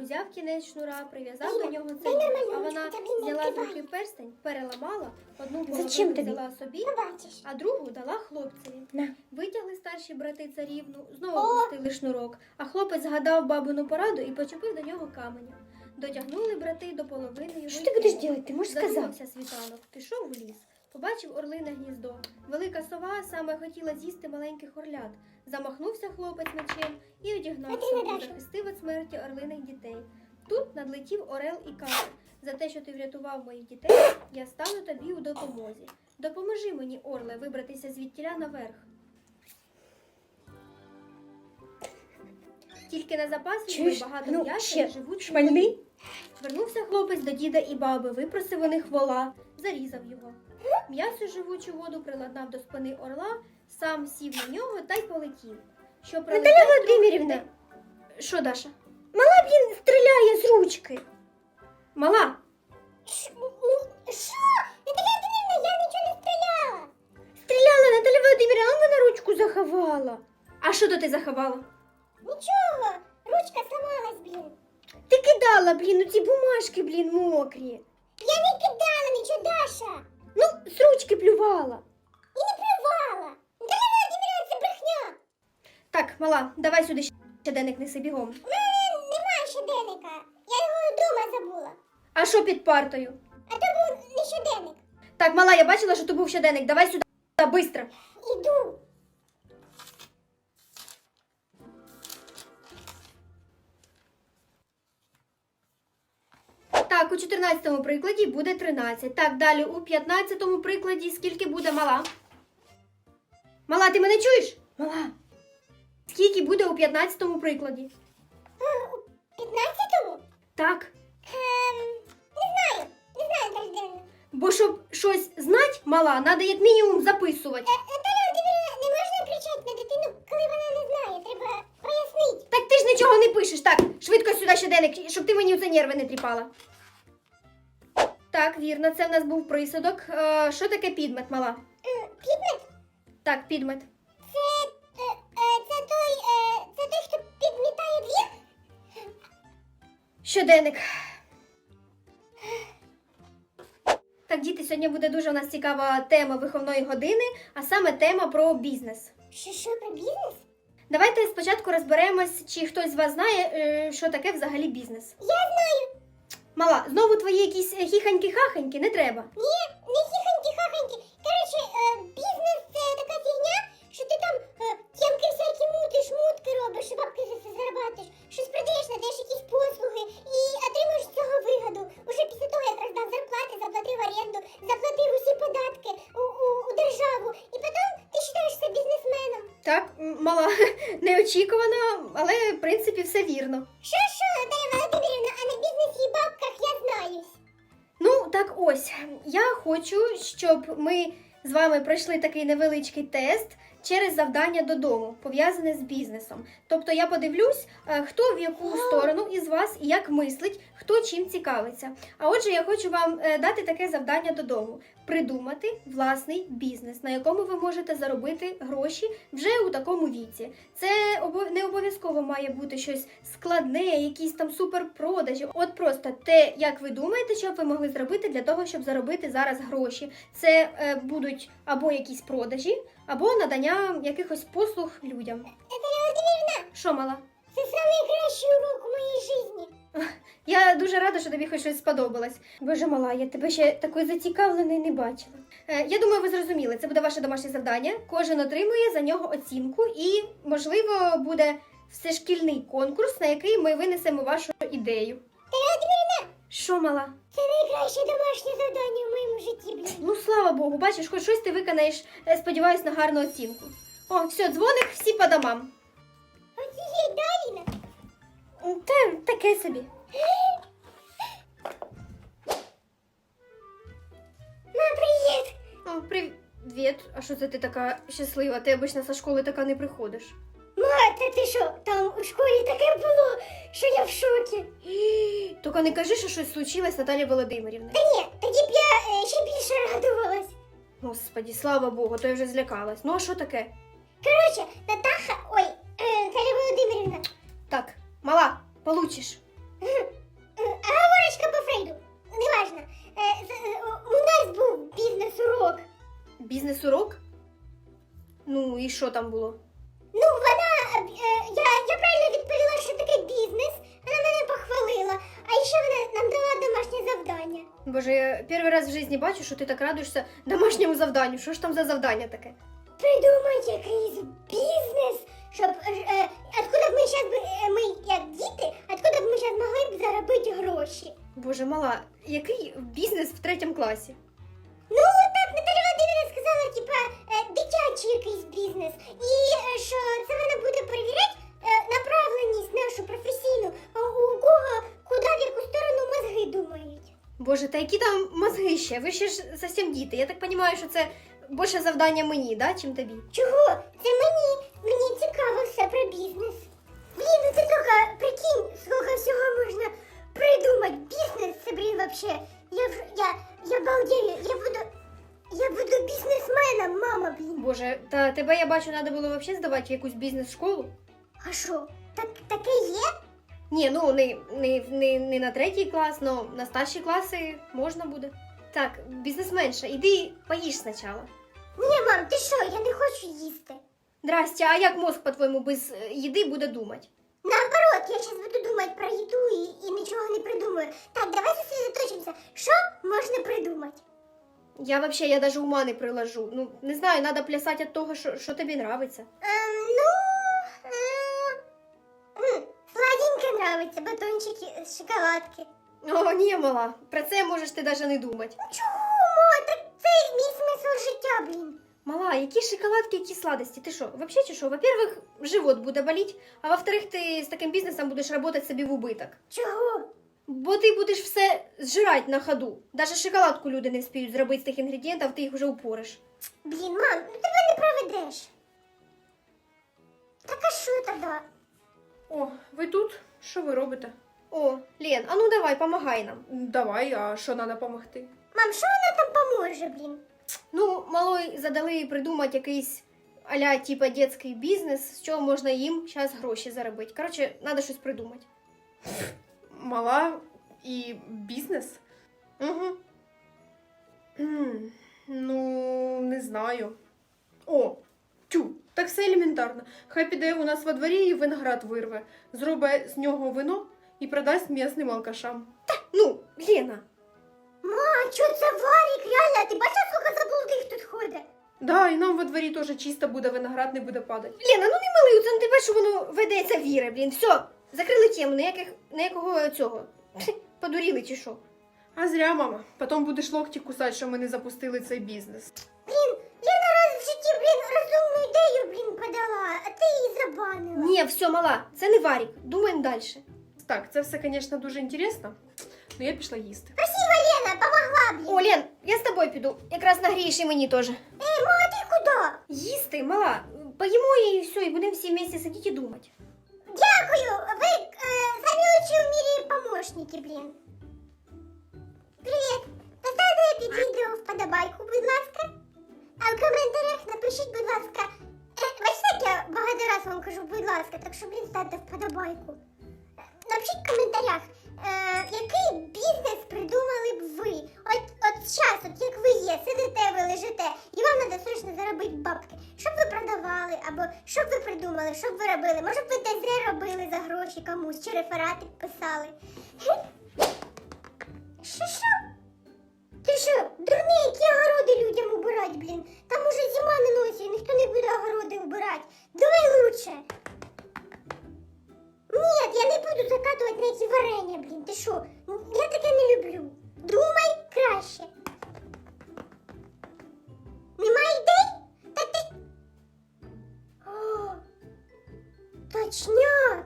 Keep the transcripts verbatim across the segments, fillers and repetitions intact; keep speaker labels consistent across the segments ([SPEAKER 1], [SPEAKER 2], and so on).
[SPEAKER 1] узяв кінець шнура, прив'язав до нього цей, а вона взяла з руки перстень, переламала, одну половину взяла собі, а другу дала хлопцеві.
[SPEAKER 2] На.
[SPEAKER 1] Витягли старші брати царівну, знову пустили шнурок, а хлопець згадав бабину пораду і почепив до нього каменя. Дотягнули брати до половини його.
[SPEAKER 2] Що ти будеш робити? Ти можеш сказати?
[SPEAKER 1] Задумався світанок, пішов у ліс. Побачив орлине гніздо. Велика сова саме хотіла з'їсти маленьких орлят. Замахнувся хлопець мечем і одігнав сову, захистив від смерті орлиних дітей. Тут надлетів орел і каже: за те, що ти врятував моїх дітей, я стану тобі у допомозі. Допоможи мені, орле, вибратися звідтіля наверх. Тільки на запас візьми багато
[SPEAKER 2] ну,
[SPEAKER 1] м'яса
[SPEAKER 2] ще
[SPEAKER 1] і живуть.
[SPEAKER 2] шмальний?
[SPEAKER 1] Вернувся хлопець до діда і баби, випросив у них вола, зарізав його. М'ясо живучу воду приладнав до спини орла, сам сів на нього та й полетів. Що
[SPEAKER 2] Наталя Володимирівна!
[SPEAKER 1] Що, Даша?
[SPEAKER 2] Мала, блін, стріляє з ручки.
[SPEAKER 1] Мала?
[SPEAKER 2] Що? Наталя Володимирівна, я нічого не стріляла. Стріляла, Наталя Володимирівна, а вона ручку заховала.
[SPEAKER 1] А що то ти заховала?
[SPEAKER 2] Нічого, ручка сломалась, блін. Ти кидала, блін, у ці бумажки, блін, мокрі. Я не кидала нічого, Даша. Ну, з ручки плювала. І не плювала. Наталя Володимирівна, це брехня.
[SPEAKER 1] Так, мала, давай сюди щоденник неси бігом.
[SPEAKER 2] У мене немає щоденника. Я його вдома забула.
[SPEAKER 1] А що під партою?
[SPEAKER 2] А то був не щоденник.
[SPEAKER 1] Так, мала, я бачила, що то був щоденник. Давай сюди, бистро.
[SPEAKER 2] Іду.
[SPEAKER 1] Так, у чотирнадцятому прикладі буде тринадцять. Так, далі у п'ятнадцятому прикладі скільки буде, мала? Мала, ти мене чуєш?
[SPEAKER 2] Мала.
[SPEAKER 1] Скільки буде у п'ятнадцятому прикладі?
[SPEAKER 2] А, у п'ятнадцятому?
[SPEAKER 1] Так.
[SPEAKER 2] Ем, не знаю. Не знаю, Наталя Володимирівна.
[SPEAKER 1] Бо щоб щось знати, мала, треба як мінімум записувати.
[SPEAKER 2] Е, Наталя Володимирівна, не можна кричати на дитину, коли вона не знає. Треба пояснити.
[SPEAKER 1] Так ти ж нічого не пишеш. Так, швидко сюди щоденник, щоб ти мені у це нерви не тріпала. Так, вірно, це в нас був присудок. Е, що таке підмет, мала?
[SPEAKER 2] Е, Підмет?
[SPEAKER 1] Так, підмет.
[SPEAKER 2] Це, е, е, це той, е, це той, хто підмітає двір?
[SPEAKER 1] Щоденник. Так, діти, сьогодні буде дуже у нас цікава тема виховної години, а саме тема про бізнес.
[SPEAKER 2] Що, що, про бізнес?
[SPEAKER 1] Давайте спочатку розберемось, чи хтось з вас знає, е, що таке взагалі бізнес.
[SPEAKER 2] Я знаю.
[SPEAKER 1] Мала, знову твої якісь хіханьки-хаханьки не треба.
[SPEAKER 2] Ні, не хіханьки-хаханьки. Коротше, е, бізнес – це така фігня, що ти там е, тємки всякі мутиш, мутки робиш, і бабки за це зарабатиш, щось продаєш, надаєш якісь послуги і отримуєш з цього вигоду. Уже після того, як роздав зарплати, заплатив оренду, заплатив усі податки у, у, у державу, і потім ти вважаєшся бізнесменом.
[SPEAKER 1] Так, м, мала, неочікувано, але в принципі все вірно.
[SPEAKER 2] Що-що, Наталя Володимирівна, а на бізнесі і бабках я знаюсь.
[SPEAKER 1] Ну, так ось, я хочу, щоб ми з вами пройшли такий невеличкий тест через завдання додому, пов'язане з бізнесом. Тобто я подивлюсь, е, хто в яку сторону із вас і як мислить, хто чим цікавиться. А отже, я хочу вам е, дати таке завдання додому. Придумати власний бізнес, на якому ви можете заробити гроші вже у такому віці. Це обов- не обов'язково має бути щось складне, якісь там суперпродажі. От просто те, як ви думаєте, що б ви могли зробити для того, щоб заробити зараз гроші. Це е, будуть або якісь продажі, або надання якихось послуг людям.
[SPEAKER 2] Наталя Володимирівна,
[SPEAKER 1] Що, мала?
[SPEAKER 2] це найкращий урок у моїй житті.
[SPEAKER 1] Я дуже рада, що тобі хоч щось сподобалось. Боже, мала, я тебе ще такою зацікавленою не бачила. Е, я думаю, ви зрозуміли, це буде ваше домашнє завдання. Кожен отримує за нього оцінку і, можливо, буде всешкільний конкурс, на який ми винесемо вашу ідею.
[SPEAKER 2] Наталя Володимирівна,
[SPEAKER 1] Що, мала?
[SPEAKER 2] це найкраще домашнє завдання в моєму житті, блін.
[SPEAKER 1] Ну, слава Богу, бачиш, хоч щось ти виконаєш, е, сподіваюсь, на гарну оцінку. О, все, дзвоник, всі по домам.
[SPEAKER 2] Оцієї Даліна.
[SPEAKER 1] Та таке собі.
[SPEAKER 2] Ма, привіт.
[SPEAKER 1] О, привіт. А що це ти така щаслива? Ти обично зі школи така не приходиш.
[SPEAKER 2] Ма, та ти що, там у школі таке було, що я в шокі.
[SPEAKER 1] Тільки не кажи, що щось случилось, Наталі Володимирівна.
[SPEAKER 2] Та ні, тоді б я е, ще більше радувалась.
[SPEAKER 1] Господі, слава Богу, то я вже злякалась. Ну, а що таке?
[SPEAKER 2] Коротше, Натаха, ой, е, Наталя Володимирівна.
[SPEAKER 1] Так, мала, получиш.
[SPEAKER 2] М,
[SPEAKER 1] бізнес-урок? Ну, і що там було?
[SPEAKER 2] Ну, вона, е, я, я правильно відповіла, що таке бізнес, вона мене похвалила, а ще вона нам дала домашнє завдання.
[SPEAKER 1] Боже, я перший раз в житті бачу, що ти так радуєшся домашньому завданню. Що ж там за завдання таке?
[SPEAKER 2] Придумати якийсь бізнес, щоб, е, откуда б ми зараз, е, ми як діти, откуда б ми зараз могли б заробити гроші.
[SPEAKER 1] Боже, мала, який бізнес в третьому класі?
[SPEAKER 2] Ну, так, Наталя Володимирівна сказала, типа, е, дитячий якийсь бізнес. І е, що це вона буде перевіряти е, направленість нашу професійну, а у кого, куди, в яку сторону мозги думають.
[SPEAKER 1] Боже, та які там мозги ще? Ви ще ж зовсім діти. Я так розумію, що це більше завдання мені, да, чим тобі?
[SPEAKER 2] Чого? Це мені, мені цікаво все про бізнес. Блін, ну ти тільки прикинь, скільки всього можна придумати. Бізнес, це, блін, вообще. Я, в- я, я балдею, я буду, я буду бізнесменом, мама, блін.
[SPEAKER 1] Боже, та тебе, я бачу, треба було взагалі здавати в якусь бізнес-школу.
[SPEAKER 2] А що, так, таке є?
[SPEAKER 1] Ні, ну не, не, не, не на третій клас, але на старші класи можна буде. Так, бізнесменша, іди поїж спочатку.
[SPEAKER 2] Ні, мам, ти що, я не хочу їсти.
[SPEAKER 1] Здрасте, а як мозк, по-твоєму, без е, їди буде думати?
[SPEAKER 2] Наоборот, я зараз буду думати про їду і, і нічого не придумаю. Так, давай зосередоточимося. Що можна придумати?
[SPEAKER 1] Я вообще, я даже ума не приложу. Ну, не знаю, надо плясати від того, що, що тобі нравиться.
[SPEAKER 2] Ем, ну, е, м, сладеньке нравиться, батончики з шоколадки.
[SPEAKER 1] О, ні, мала, про це можеш ти даже не думати.
[SPEAKER 2] Ну чого, ма, так це мій смисл життя, блін.
[SPEAKER 1] Мала, які шоколадки, які сладості? Ти що, вообще чи що? Во-первых, живот буде боліти, а во-вторых, ти з таким бізнесом будеш працювати собі в убиток.
[SPEAKER 2] Чого?
[SPEAKER 1] Бо ти будеш все зжирати на ходу. Даже шоколадку люди не вспіють зробити з тих інгредієнтів, ти їх вже упориш.
[SPEAKER 2] Блін, мам, ну тебе не проведеш. Так а що тоді?
[SPEAKER 3] О, ви тут? Що ви робите?
[SPEAKER 1] О, Лен, а ну давай, помагай нам.
[SPEAKER 3] Давай, а що треба допомогти?
[SPEAKER 2] Мам, що вона там поможе, блін?
[SPEAKER 1] Ну, малой задали придумати якийсь а-ля типа детський бізнес, з чого можна їм зараз гроші заробити. Коротше, треба щось придумати.
[SPEAKER 3] Мала і бізнес?
[SPEAKER 1] Угу.
[SPEAKER 3] М, ну, не знаю. О, тю, так все елементарно. Хай піде у нас во дворі і виноград вирве, зробить з нього вино і продасть м'ясним алкашам.
[SPEAKER 1] Ну, Лена,
[SPEAKER 2] Ма, що це Варік, реально, ти бачиш, скільки заблудих тут ходить?
[SPEAKER 3] Да, і нам во дворі теж чисто буде, виноград не буде падати.
[SPEAKER 1] Лена, ну не милий, це не тебе, що воно ведеться віри, блін. Все, закрили тему, ніяких, ніякого цього. Пхе, подуріли чи що?
[SPEAKER 3] А зря, мама. Потім будеш локті кусати, що ми не запустили цей бізнес.
[SPEAKER 2] Блін, Лена раз в житті, блін, розумну ідею, блін, подала, а ти її забанила.
[SPEAKER 1] Ні, все, мала, це не варік, думаємо далі.
[SPEAKER 3] Так, це все, звісно, дуже інтересно, але я пішла їсти.
[SPEAKER 2] Спасибо, Лена, помогла, блін.
[SPEAKER 1] О, Лен, я з тобою піду, якраз нагрієш і мені теж.
[SPEAKER 2] Ей, ма, а ти куди?
[SPEAKER 1] Їсти, мала, поїмо і все, і будемо всі вместе сидіти і думати.
[SPEAKER 2] Дякую, ви е, самі лучші в мірі помощники, блін. Привіт, поставте під відео вподобайку, будь ласка. А в коментарях напишіть, будь ласка, е, бачите, як я багато раз вам кажу, будь ласка, так що, блін, ставте вподобайку. Е, Напишіть в коментарях, е, який бізнес придумали б ви. От, от зараз, от як ви є, сидите, ви лежите, і вам треба срочно заробити бабки. Що б ви продавали, або що б ви придумали, що б ви робили? Може б ви ТЗ робили за гроші комусь, чи рефератик писали. Що, що? Ти що, дурний, які огороди людям убирать, блін? Там уже зима на носі, ніхто не буде огороди убирать. Думай лучше. Ні, я не буду закатувати на ці варення, блін. Ти що? Я таке не люблю. Думай краще. Нема ідей? Та ти... О, точняк.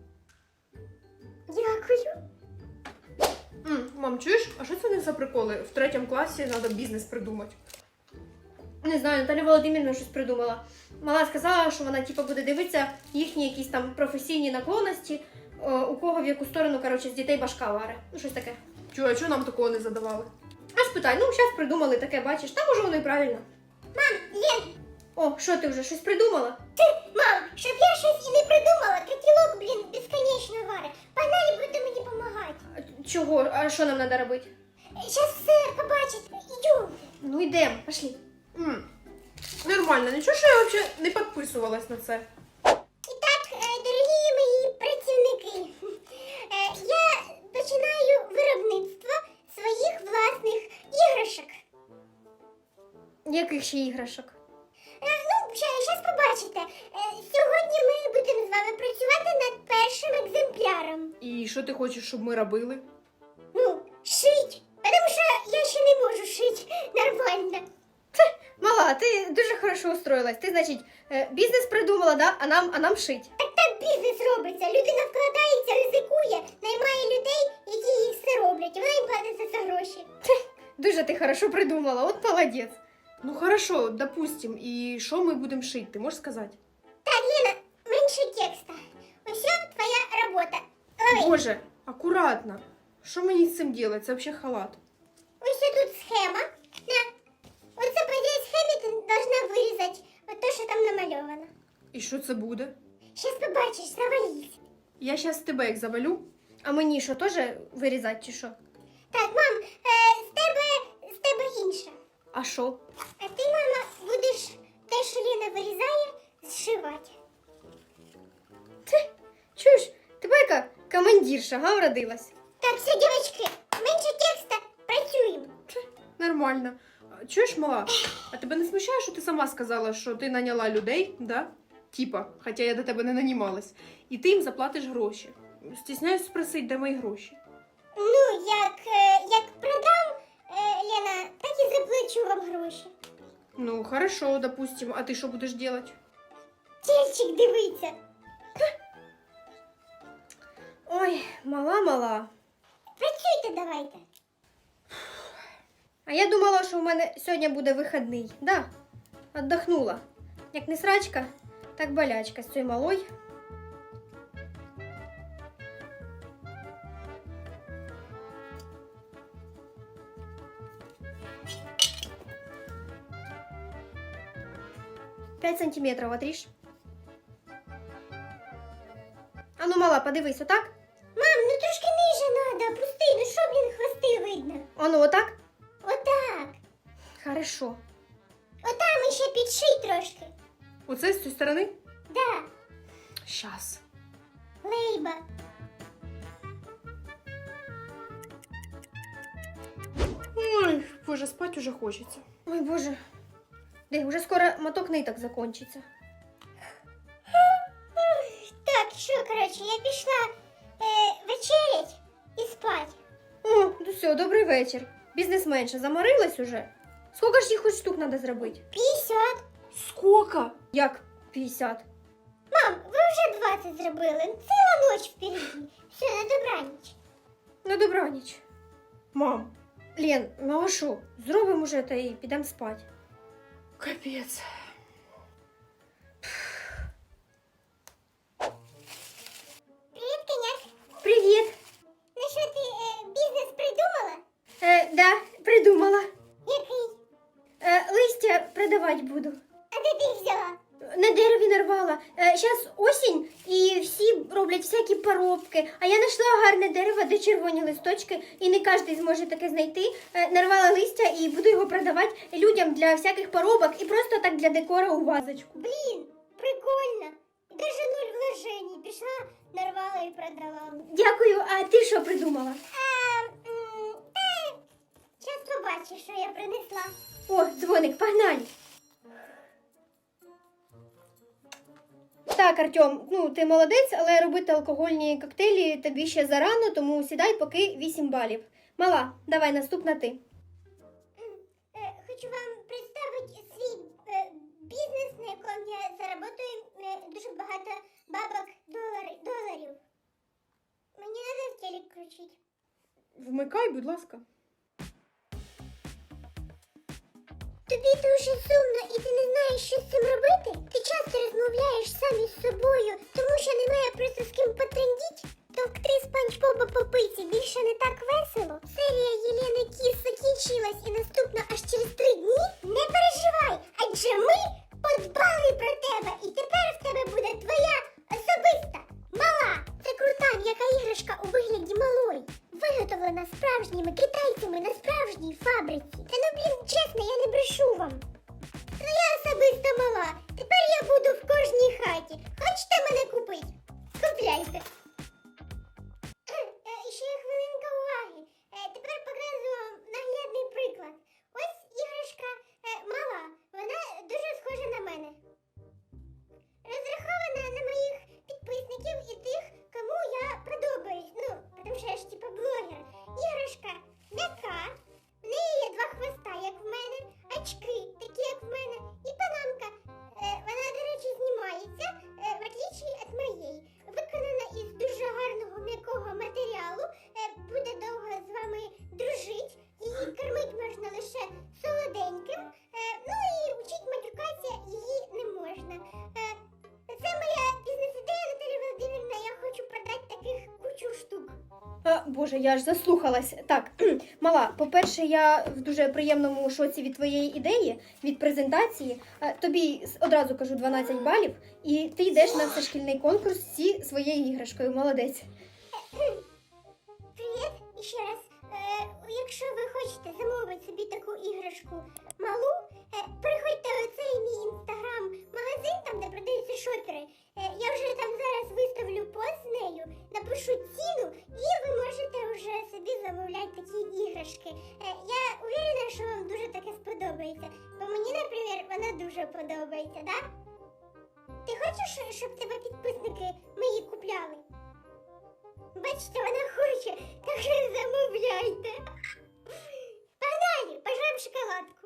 [SPEAKER 2] Дякую.
[SPEAKER 3] М, мам, чуєш, а що це не за приколи? В третьому класі треба бізнес придумати.
[SPEAKER 1] Не знаю, Наталя Володимирівна щось придумала. Мала сказала, що вона типу, буде дивитися їхні якісь там професійні наклонності, е, у кого в яку сторону, коротше, з дітей башка варе. Ну, щось таке.
[SPEAKER 3] Чу, а чого нам такого не задавали?
[SPEAKER 1] А спитай, ну, зараз придумали таке, бачиш, та може воно і правильно.
[SPEAKER 2] Мам, Лен,
[SPEAKER 1] О, що ти вже щось придумала?
[SPEAKER 2] ти, мам, щоб я щось і не придумала, котілок, блін, безконечно варе. Погнали, буде мені допомагати.
[SPEAKER 1] А чого? А що нам треба робити?
[SPEAKER 2] Щас все побачить. Ідем.
[SPEAKER 1] Ну, йдемо, пошли.
[SPEAKER 3] М, Нормально, нічого, що я взагалі не підписувалась на це.
[SPEAKER 2] І так, е, дорогі мої працівники, е, я починаю виробництво своїх власних іграшок.
[SPEAKER 1] Яких ще іграшок?
[SPEAKER 2] Е, Ну, зараз побачите. Е, Сьогодні ми будемо з вами працювати над першим екземпляром.
[SPEAKER 3] І що ти хочеш, щоб ми робили?
[SPEAKER 2] Ну, шить. Тому що я ще не можу шити нормально.
[SPEAKER 1] Мала, ти дуже хорошо устроїлась. Ти, значить, е, бізнес придумала, да? А нам, а нам шить.
[SPEAKER 2] Так так бізнес робиться. Людина вкладається, ризикує, наймає людей, які їй все роблять. І вона їм платить за це гроші.
[SPEAKER 1] Дуже ти хорошо придумала, от молодець.
[SPEAKER 3] Ну хорошо, допустим, і що ми будемо шити, ти можеш сказати?
[SPEAKER 2] Так, Лена, менше текста. Ось твоя робота. Лови.
[SPEAKER 3] Боже, акуратно. Що мені з цим робити? Це взагалі халат.
[SPEAKER 2] Ось тут схема. На. Оце по цій схемі ти должна вирізати от те, що там намальовано.
[SPEAKER 3] І що це буде?
[SPEAKER 2] Щас побачиш, завались.
[SPEAKER 3] Я зараз тебе як завалю.
[SPEAKER 1] А мені що, теж вирізати чи що?
[SPEAKER 2] Так, мам, е, з тебе, з тебе інше.
[SPEAKER 1] А що?
[SPEAKER 2] А ти, мама, будеш те, що Лена вирізає, зшивати.
[SPEAKER 1] Ти, чуєш, тебе яка командирша, га, вродилась?
[SPEAKER 2] Так, все, дівчатки, менше текста, працюємо.
[SPEAKER 3] Нормально. А, чуєш, мала? А тебе не смущає, що ти сама сказала, що ти наняла людей, да? Типа, хоча я до тебе не нанімалась. І ти їм заплатиш гроші. Стісняюсь спросити, де мої гроші.
[SPEAKER 2] Ну, як, е, як продам, е, Лена, так і заплачу вам гроші.
[SPEAKER 3] Ну, хорошо, допустим. А ти що будеш робити?
[SPEAKER 2] Тільчик дивиться.
[SPEAKER 1] Ой, мала-мала.
[SPEAKER 2] Працюйте давайте.
[SPEAKER 1] А я думала, що у мене сьогодні буде вихідний. Да, отдохнула. Як не срачка, так болячка з цією малою. П'ять сантиметрів отріж. А ну, мала, подивись, отак?
[SPEAKER 2] Мам, ну трошки ниже надо, опусти, ну що, блін, хвости видно.
[SPEAKER 1] А ну, отак?
[SPEAKER 2] Отак.
[SPEAKER 1] Хорошо.
[SPEAKER 2] Отам ще підший трошки.
[SPEAKER 3] Оце з цієї сторони?
[SPEAKER 2] Да,
[SPEAKER 3] Щас.
[SPEAKER 2] лейба.
[SPEAKER 3] Ой, боже, спать уже хочеться.
[SPEAKER 1] Ой, боже. Де, уже скоро моток ниток закончиться.
[SPEAKER 2] Так, що, коротше, я пішла е, вечерять і спать.
[SPEAKER 1] О, ну все, добрий вечір. Бізнесменша заморилась уже? Скільки ж їх хоч штук треба зробити?
[SPEAKER 2] п'ятдесят.
[SPEAKER 3] Сколько?
[SPEAKER 1] Як п'ятдесят?
[SPEAKER 2] Мам, ви вже двадцять зробили. Ціла ніч впереді. Все, на добраніч.
[SPEAKER 1] На добраніч.
[SPEAKER 3] Мам,
[SPEAKER 1] Лен, ну а що? Зробимо уже та і підемо спати.
[SPEAKER 3] капець.
[SPEAKER 2] Привіт, коняк.
[SPEAKER 1] Привіт.
[SPEAKER 2] Ну що, ти е, бізнес придумала?
[SPEAKER 1] Е, да, придумала.
[SPEAKER 2] Який?
[SPEAKER 1] Е, листя продавати буду.
[SPEAKER 2] А де ти їх взяла?
[SPEAKER 1] На дереві нарвала. Зараз осінь і всі роблять всякі поробки. А я знайшла гарне дерево, де червоні листочки, і не кожен зможе таке знайти. Е, нарвала листя і буду його продавати людям для всяких поробок і просто так для декора у вазочку.
[SPEAKER 2] Блін, прикольно. Даже нуль вложений. Пішла, нарвала і продала.
[SPEAKER 1] Дякую, а ти що придумала?
[SPEAKER 2] А, м, та, щас побачиш, що я принесла.
[SPEAKER 1] О, дзвоник, погнали. Так, Артем, ну ти молодець, але робити алкогольні коктейлі тобі ще зарано, тому сідай поки вісім балів. Мала, давай наступна ти.
[SPEAKER 2] Е, Хочу вам представити свій е, бізнес, на якому я заработаю е, дуже багато бабок долари- доларів. Мені треба в телек включити.
[SPEAKER 3] Вмикай, будь ласка.
[SPEAKER 2] Тобі дуже сумно і ти не знаєш, що з цим робити? Ти часто розмовляєш сам із собою, тому що немає просто з ким потрендіть? Товкти спанч Боба по пиці більше не так весело? Серія Єлени Кіс закінчилась і наступна аж через три дні? Не переживай, адже ми подбали про тебе і тепер в тебе буде твоя особиста мала. Це крута м'яка іграшка у вигляді малої. Виготовлена справжніми китайцями на справжній фабриці. Та ну блін, чесно, я не брешу вам. Твоя особиста
[SPEAKER 1] А, Боже, я аж заслухалась. Так, мала, по-перше, я в дуже приємному шоці від твоєї ідеї, від презентації. Е, Тобі с- одразу кажу дванадцять балів, і ти йдеш на всешкільний конкурс зі своєю іграшкою. Молодець.
[SPEAKER 2] Привіт, і ще раз. Е, якщо ви хочете замовити собі таку іграшку малу, е, переходьте у цей мій інстаграм-магазин, там, де продаються шопери. Е, я вже там зараз виставлю пост з нею, напишу ціну, і ви можете вже собі замовляти такі іграшки. Е, я уверена, що вам дуже таке сподобається. Бо мені, наприклад, вона дуже подобається, так? Да? Ти хочеш, щоб тебе підписники мої купляли? Бачите, вона хоче, так що замовляйте. Погнали, пожрем шоколадку.